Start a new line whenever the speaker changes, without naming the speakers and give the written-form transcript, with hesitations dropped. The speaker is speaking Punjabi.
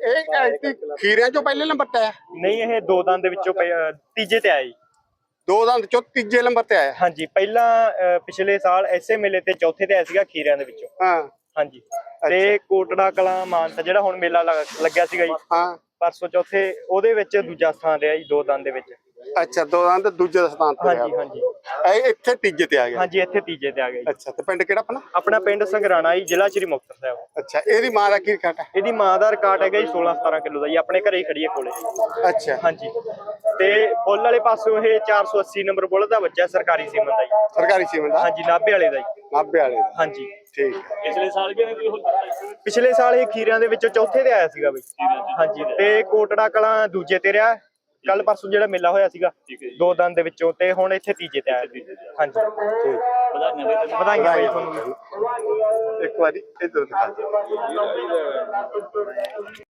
ਇਹ ਖੀਰਿਆਂ ਚੋਂ ਪਹਿਲੇ ਨੰਬਰ ਤੇ ਆਇਆ?
ਨਹੀਂ, ਇਹ ਦੋ ਦੰਦ ਦੇ ਵਿੱਚੋਂ ਤੀਜੇ ਤੇ ਆਇਆ ਜੀ।
ਦੋ ਦੰਦ ਚੋਂ ਤੀਜੇ ਨੰਬਰ ਤੇ ਆਇਆ?
ਹਾਂਜੀ, ਪਹਿਲਾਂ ਪਿਛਲੇ ਸਾਲ ਐਸੇ ਮੇਲੇ ਤੇ ਚੌਥੇ ਤੇ ਆਇਆ ਸੀਗਾ ਖੀਰਿਆਂ ਦੇ ਵਿੱਚੋਂ।
ਹਾਂ।
ਹਾਂਜੀ, ਤੇ ਕੋਟੜਾ ਕਲਾਂ ਮਾਨਸਾ ਜਿਹੜਾ ਹੁਣ ਮੇਲਾ ਲੱਗਿਆ ਸੀਗਾ ਜੀ
ਹਾਂ,
ਪਰਸੋਂ ਚੌਥੇ, ਉਹਦੇ ਵਿੱਚ ਦੂਜਾ ਸਥਾਨ ਰਿਹਾ ਜੀ ਦੋ ਦੰਦ ਦੇ ਵਿੱਚ।
ਅੱਛਾ, ਦੋ ਦੰਦ ਦੂਜੇ ਸਥਾਨ ਤੇ
ਹਾਂਜੀ ਹਾਂਜੀ
ਇਹ ਇੱਥੇ ਤੀਜੇ ਤੇ ਆ ਗਿਆ?
ਹਾਂਜੀ, ਇੱਥੇ ਤੀਜੇ ਤੇ ਆ ਗਿਆ ਜੀ।
ਅੱਛਾ, ਤੇ ਪਿੰਡ ਕਿਹੜਾ ਆਪਣਾ?
ਆਪਣਾ ਪਿੰਡ ਸੰਗਰਾਣਾ ਜੀ, ਜ਼ਿਲ੍ਹਾ ਸ਼੍ਰੀ ਮੁਕਤਸਰ ਸਾਹਿਬ।
ਅੱਛਾ, ਇਹਦੀ ਮਾਂ ਦਾ ਕੀ ਰਿਕਾਰਡ ਹੈ?
ਇਹਦੀ ਮਾਂ ਦਾ ਰਿਕਾਰਡ ਹੈਗਾ ਜੀ 16-17 ਕਿਲੋ ਦਾ ਜੀ, ਆਪਣੇ ਘਰੇ ਹੀ ਖੜੀ ਹੈ ਕੋਲੇ।
ਅੱਛਾ।
ਹਾਂਜੀ, ਤੇ ਬੁੱਲ ਵਾਲੇ ਪਾਸੋਂ ਇਹ 480 ਨੰਬਰ ਬੁੱਲ ਦਾ ਬੱਚਾ ਸਰਕਾਰੀ ਸੀਮਨ ਦਾ ਜੀ।
ਸਰਕਾਰੀ ਸੀਮਨ ਦਾ?
ਹਾਂਜੀ, ਨਾਭੇ ਵਾਲੇ ਦਾ ਜੀ।
ਨਾਭੇ ਵਾਲੇ ਦਾ?
ਹਾਂਜੀ,
ਠੀਕ।
ਪਿਛਲੇ ਸਾਲ ਪਿਛਲੇ ਸਾਲ ਇਹ ਖੀਰਿਆਂ ਦੇ ਵਿੱਚੋਂ ਚੌਥੇ ਤੇ ਆਇਆ ਸੀਗਾ ਬਈ। ਹਾਂਜੀ, ਤੇ ਕੋਟੜਾ ਕਲਾਂ ਦੂਜੇ ਤੇ ਰਿਹਾ। ਕੱਲ ਪਰਸੋਂ ਜਿਹੜਾ ਮੇਲਾ ਹੋਇਆ ਸੀਗਾ ਦੋ ਦੰਦ ਦੇ ਵਿੱਚੋਂ, ਤੇ ਹੁਣ ਇੱਥੇ ਤੀਜੇ ਤੇ ਆਇਆ ਸੀ। ਹਾਂਜੀ, ਵਧਾਈਆਂ ਬਈ ਤੁਹਾਨੂੰ।
ਇੱਕ ਵਾਰੀ ਇੱਧਰ ਦਿਖਾ।